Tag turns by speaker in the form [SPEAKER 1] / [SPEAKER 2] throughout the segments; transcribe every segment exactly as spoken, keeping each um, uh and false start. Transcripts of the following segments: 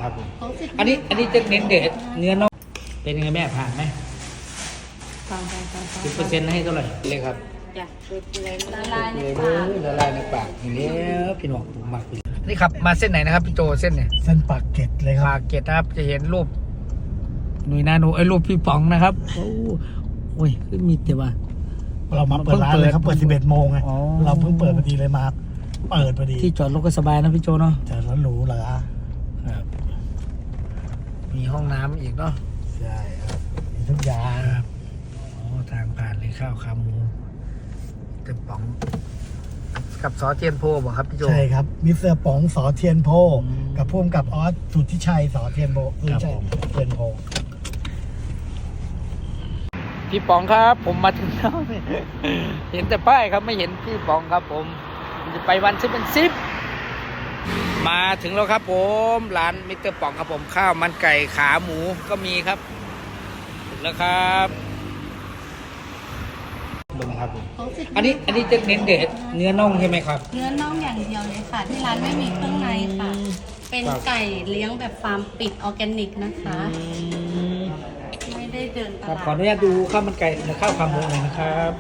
[SPEAKER 1] ครับผมอันนี้อันนี้จะเน้นเด็ดเนื้อน่องเป็นยังไงแม่ผ่านไหมสิบเปอร์เซ็นต์ให้เท่าไหร่เลยครับ
[SPEAKER 2] จ้ะละลายในปาก
[SPEAKER 1] ละลายในปากอย่างนี้พี่น้องผมมากเลยนี่ครับมาเส้นไหนนะครับพี่โจเส้นเนี่ย
[SPEAKER 3] เส้นปากเกร็ดเลยครับ
[SPEAKER 1] ปากเกร็ดนะครับจะเห็นรูปหนุ่ยนาโนไอ้รูปพี่ป๋องนะครับโอ้โหขึ้นมีแต่ว่า
[SPEAKER 3] เรามาเปิดร้านเลยครับเปิดสิบเอ็ดโมงไงเราเพิ่งเปิดพอดีเลยมาเปิดพอดี
[SPEAKER 1] ที่จอดรถก็สบายนะพี่โจเนาะ
[SPEAKER 3] จอดรถหรูเหรอ
[SPEAKER 1] ครับมีห้องน้ำอีกเนาะ
[SPEAKER 3] ใช่ครับมีทุกอย่าง
[SPEAKER 1] ครับอ๋อทางผ่านเลยข้าวขาหมูเต็มป๋องกับซอเทียนโพบอกครับพี่โจ
[SPEAKER 3] ใช่ครับมิสเตอร์ป๋องสอเทียนโพกับพ่วงกับออสสุทธิชัยสอเทียนโพคือใช่เทียนโพ
[SPEAKER 1] พี่ป๋องครับผมมาถึงแล้วเห็นแต่ป้ายครับไม่เห็นพี่ป๋องครับผมจะไปวันซิปเป็นซิปมาถึงแล้วครับผมร้านมิสเตอร์ป๋องครับผมข้าวมันไก่ขาหมูก็มีครับแล้วครับดูนะครับผมอันนี้อันนี้จะเน้นเด็ดเนื้อน่องใช่ไหมครับ
[SPEAKER 2] เนื้อน่องอย่างเดียวเลยค่ะที่ร้านไม่มีเครื่องในค่ะเป็นไก่เลี้ยงแบบฟาร์มปิดออร์แกนิกนะคะไม่ได้เดินตลาด
[SPEAKER 1] ขออนุญาตดูข้าวมันไก่และข้าวขาหมูหน่อยนะครับ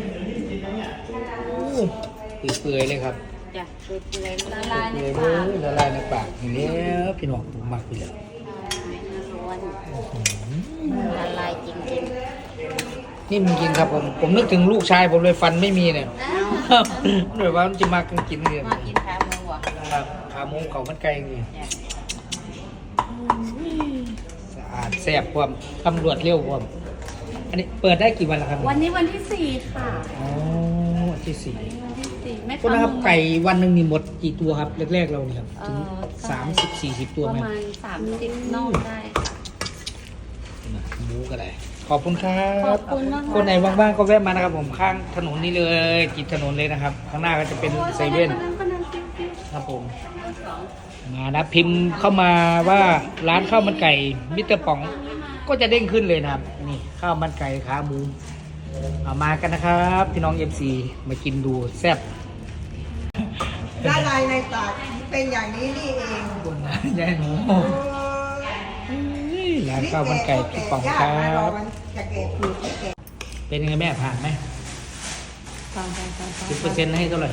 [SPEAKER 1] เปื่อยๆเลยครับ
[SPEAKER 2] จ้ะละลายในปาก
[SPEAKER 1] ละลายในปากอย่างนี้พี่น้องผมมากไปเลย
[SPEAKER 2] ละลายจริง
[SPEAKER 1] ๆนี่มันจริงครับผมผมนึกถึงลูกชายผมเลยฟันไม่มีเนี่ยหรือว่ามันจะมากินกินเลย
[SPEAKER 2] มากินขาหมูอ่ะ
[SPEAKER 1] ครับขาหมูเขามันไก่นี่สะอาดแซ่บความตำรวจเร็วความอันนี้เปิดได้กี่วันแล้วครับ
[SPEAKER 2] วันนี้วันที่สี่ค่ะ
[SPEAKER 1] อ๋อวันที่สี่
[SPEAKER 2] วันที่สี่แม่
[SPEAKER 1] คุณนะครับไก่วันหนึ่งมีหมดกี่ตัวครับแรกๆเราเนี่ยครับถึงสามสิบสี่สิบตัวไหม
[SPEAKER 2] ประมาณสามสิบน่องได้ค่ะ
[SPEAKER 1] หมูก็ได้ขอบคุณครับ
[SPEAKER 2] ขอบคุณมาก
[SPEAKER 1] คนไหนว่างๆก็แวะมานะครับผมข้างถนนนี้เลยติดถนนเลยนะครับข้างหน้าก็จะเป็นเซเว่นครับผมมานะพิมพ์เข้ามาว่าร้านข้าวมันไก่มิสเตอร์ป๋องก็จะเด้งขึ้นเลยนะครับนี่ข้าวมันไก่ขาหมูเอามากันนะครับพี่น้องเอฟซีมากินดูแซ่บ
[SPEAKER 4] ละลายในปากเป็นอย่างนี้นี่เอง
[SPEAKER 1] คุณยายหนูร้านข้าวมันไก่พี่ป๋องครับเป็นยังไงแม่ผ่านไหมสิบเปอร์เซ็นต์ให้เท่าไหร่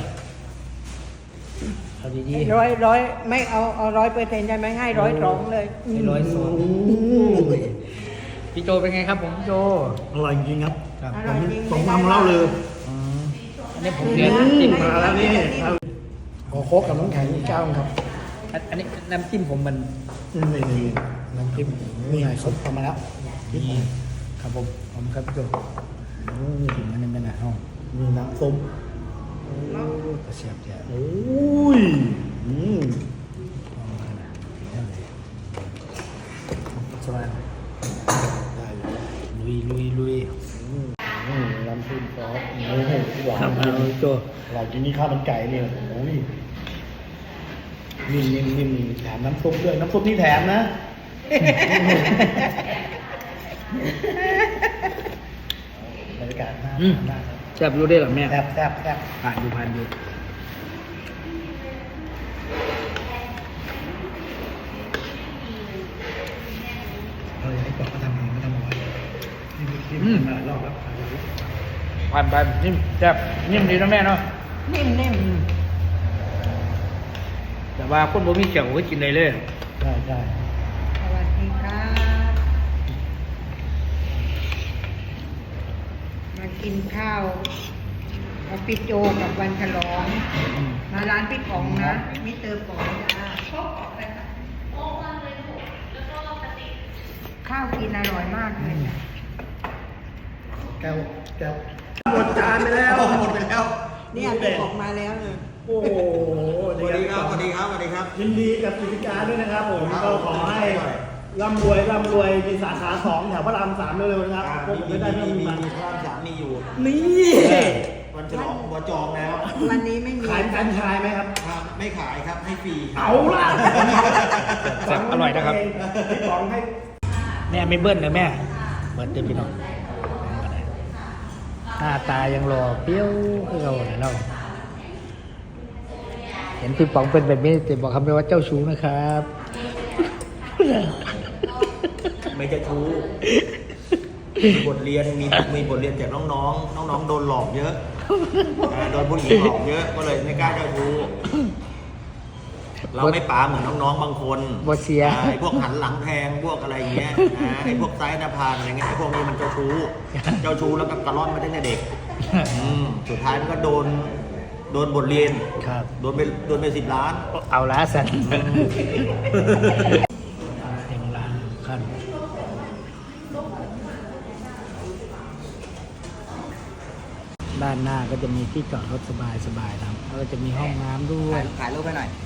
[SPEAKER 1] เอาดี
[SPEAKER 4] ๆร้อยร้อยไม่เอาเอาร้อยเปอร์เซ็นต์ใช่ไหมให้ร้อยสองเลย
[SPEAKER 1] ให้ร้อยสองพี่โจเป็นไงครับผมพี่โจ
[SPEAKER 3] อร่อยจริงครับ
[SPEAKER 4] ผม
[SPEAKER 3] ผมทำเล่าเลย
[SPEAKER 1] อันนี้ผมเรียนจิ้มมาแล้วนี่
[SPEAKER 3] ขอโคกกับน้ำแข็งเจ้าครับ
[SPEAKER 1] อันนี้น้ำจิ้มผมมัน
[SPEAKER 3] นี่นี่น้ำจิ้มนี่ไงซุปทำมาแล้ว
[SPEAKER 1] นี่ครับผมผมครับพี่โจนี่ถึงอันนี้เป็นอะไรห้อง
[SPEAKER 3] มีน้ำซุป
[SPEAKER 1] กระเสียบแย่
[SPEAKER 3] โอ้ยอืม
[SPEAKER 1] สบายลุยลุยลุย
[SPEAKER 3] น้ำซุปซอสโอ้โหหวานจริง
[SPEAKER 1] โจ
[SPEAKER 3] หวานจริงนี่ข้าวมันไก่เนี่ยโอ้ยนิ่มนิ่มนิ่มแถมน้ำซุปด้วยน้ำซุปนี่แถมนะบรรยากาศน่าทาน
[SPEAKER 1] แซ่บรู้ได้หรอแม่
[SPEAKER 3] แซ่บแซ่บแซ่บ
[SPEAKER 1] ผ่านอยู่ผ่านอยู่
[SPEAKER 3] เราอยากให้บอกเขาทำเองไม่ทำเอาไว้นี่นี่มารอบแล้ว
[SPEAKER 1] ผ่านไปนิ่มแซ่บนิ่มดีนะแม่เนาะ
[SPEAKER 4] นิ่มนิ่ม
[SPEAKER 1] แต่ว่าคนบ่มีเขียวก็กินได้เลย
[SPEAKER 3] ใช่ใช่
[SPEAKER 4] สวัสดีครับมากินข้าวกับพี่โจกับวันฉลองมาร้านพี่ป๋องนะมิสเตอร์ป๋องจ้าข้าวกินอร่อยมากเลย
[SPEAKER 3] แก้วแก้วหมดจานไปแล้ว
[SPEAKER 4] หมดไปแล้วเนี่ยออกมาแล้วเลย
[SPEAKER 3] โอ้โห
[SPEAKER 5] สวัสดีครับสวัสดีครับสวัสดีครับ
[SPEAKER 3] ยินดีกับกิจการด้วยนะครับผมก็ขอให้ร่ำรวยร่ำรวยมีสาขาสองแถวพระรามสามเร็วๆนะครับ
[SPEAKER 5] พวกผมไม่ได้มีมีมีพระรามสามมีอยู่
[SPEAKER 3] นี่
[SPEAKER 5] วันฉลองวันจองแล้ว
[SPEAKER 4] วันนี้ไม่มี
[SPEAKER 3] ขายแฟรนไชส์ไหมครับ
[SPEAKER 5] ไม่ขายครับให้ฟรี
[SPEAKER 3] เอาล่ะ
[SPEAKER 1] แซ่บอร่อยนะครับ
[SPEAKER 3] พี่ป๋องให้
[SPEAKER 1] แม่ไม่เบิ้ลนะแม่เบิ้ลเต็มพี่น้องหน้าตายังหล่อเปรี้ยวคือเราเนี่ยเราเห็นพี่ป๋องเป็นแบบนี้แต่บอกคำเดียวว่าเจ้าชู้นะครับ
[SPEAKER 5] ไม่จะทูมีบทเรียนมีมีบทเรียนจากน้องๆ น้องๆ โดนหลอกเยอะอ่าโดนผู้หญิงหลอกเยอะ ก็เลยไม่กล้าเจ้าชู้เราไม่ป๋าเหมือนน้องๆ บางคน
[SPEAKER 1] บ่เสีย
[SPEAKER 5] อ่าไอ้พวกหันหลังแทงพวกอะไรอย่างเงี้ยอ่าไอ้พวกไซส์หน้าผากอะไรเงี้ยไอ้พวกนี้มันเจ้าชู้ เจ้าชู้แล้วก็กระล่อนมาตั้งแต่เด็กอืมสุดท้ายมันก็โดนโดนบทเรียน
[SPEAKER 1] ครับ
[SPEAKER 5] โดนไปโดนไปสิบล้าน
[SPEAKER 1] เอาละสันเต็มร้านขั้นด้านหน้าก็จะมีที่จอดรถสบายๆนะครับแล้วก็จะมีห้องน้ำด้วย
[SPEAKER 6] ถ่ายรูปให้หน่อย